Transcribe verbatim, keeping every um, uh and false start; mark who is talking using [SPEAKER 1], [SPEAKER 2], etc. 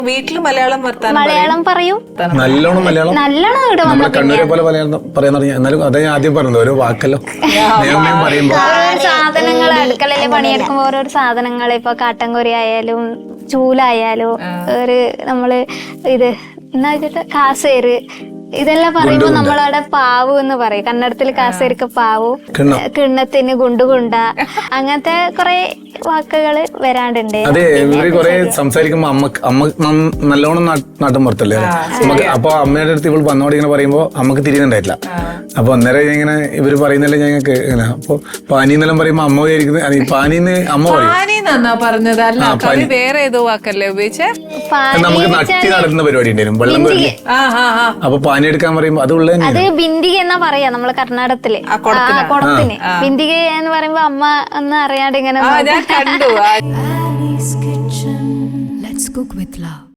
[SPEAKER 1] വീട്ടില് മലയാളം വർത്താനം
[SPEAKER 2] മലയാളം പറയും,
[SPEAKER 3] നല്ലോണം മലയാളം
[SPEAKER 2] നല്ലോണം ഇവിടെ
[SPEAKER 3] നമ്മളെ
[SPEAKER 2] വന്ന
[SPEAKER 3] കണ്ണൂരെ പോലെ മലയാളം പറയാൻ തുടങ്ങി. എന്നാലും അതാ ഞാൻ ആദ്യം പറഞ്ഞത്, ഓരോ വാക്കല്ലോ നിയമം പറയുമ്പോ
[SPEAKER 2] ഓരോ സാധനങ്ങൾ അടുക്കളയില് പണിയെടുക്കുമ്പോ ഓരോരോ സാധനങ്ങൾ, ഇപ്പൊ കാട്ടൻകൊരി ആയാലും ചൂലായാലും ഒരു നമ്മള് ഇത് എന്നാ വെച്ചിട്ട് കാസേര്, ഇതെല്ലാം പറയുമ്പോ നമ്മളവിടെ പാവു എന്ന് പറയും. കന്നഡത്തില് കാസേരിക്ക് പാവു, കിണ്ണത്തിന് ഗുണ്ടുകുണ്ട, അങ്ങനത്തെ കൊറേ വാക്കുകള് വരാണ്ടുണ്ട്.
[SPEAKER 3] അതെ, ഇവര് കൊറേ സംസാരിക്കുമ്പോ അമ്മക്ക് അമ്മ നല്ലോണം നാട്ടും പുറത്തല്ലേ നമുക്ക്. അപ്പൊ അമ്മയുടെ അടുത്ത് ഇവൾ വന്നോട് ഇങ്ങനെ പറയുമ്പോ അമ്മക്ക് തിരിയുന്നുണ്ടായിട്ടില്ല. അപ്പൊ അന്നേരം ഇങ്ങനെ ഇവര് പറയുന്നല്ലേ ഞങ്ങൾക്ക് ഇങ്ങനെ. അപ്പൊ പാനി എന്നെല്ലാം പറയുമ്പോ അമ്മ വിചാരിക്കുന്നത് പാനിന്ന് അമ്മ പറയും
[SPEAKER 1] പറഞ്ഞത്. അല്ല, കവി വേറെ ഏതോ വാക്കല്ലേ ഉപയോഗിച്ചേ?
[SPEAKER 3] നമുക്ക് നട്ടി നടത്തുന്ന പരിപാടി ഉണ്ടായിരുന്നു, വെള്ളം വരില്ലേ. അപ്പൊ പാനി എടുക്കാൻ പറയുമ്പോ അത് ഉള്ളത്
[SPEAKER 2] അത് ബിന്ദിക എന്നാ പറയാ നമ്മള് കർണാടകത്തില് കുടത്തിന്. ബിന്ദിക എന്ന് പറയുമ്പോ അമ്മ എന്ന് അറിയാണ്ട് ഇങ്ങനെ
[SPEAKER 1] കണ്ടു.
[SPEAKER 4] Annie's Kitchen. Let's cook with love.